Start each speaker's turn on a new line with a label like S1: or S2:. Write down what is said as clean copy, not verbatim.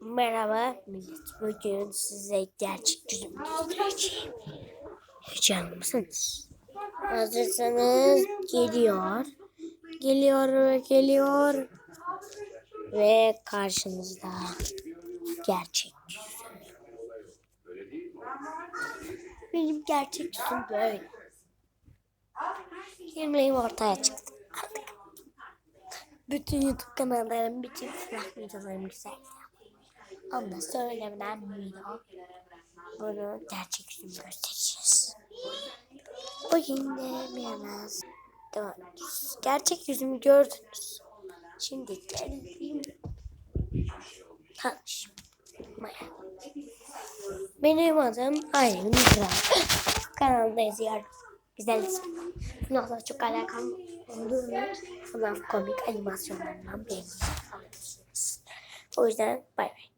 S1: Merhaba millet. Bugün size gerçek yüzümü göstereceğim. Heyecanlı mısınız? Hazırsanız geliyor. Geliyor. Ve karşınızda gerçek yüzüm. Benim gerçek yüzüm böyle. Kimliğim ortaya çıktı. Bütün YouTube kanallarım, bütün silah videolarım güzel. Onu da söylemeden video. Bunu gerçek yüzümü göstereceğiz. Bugün de biraz gerçek yüzümü gördünüz. Şimdi gelin tanışmaya. Benim adım Aylin Kral. Kanalda yazıyorum. Güzel isim. Bundan çok alakam olduğunu FNAF komik animasyonlarından beğenirsiniz. O yüzden bay bay.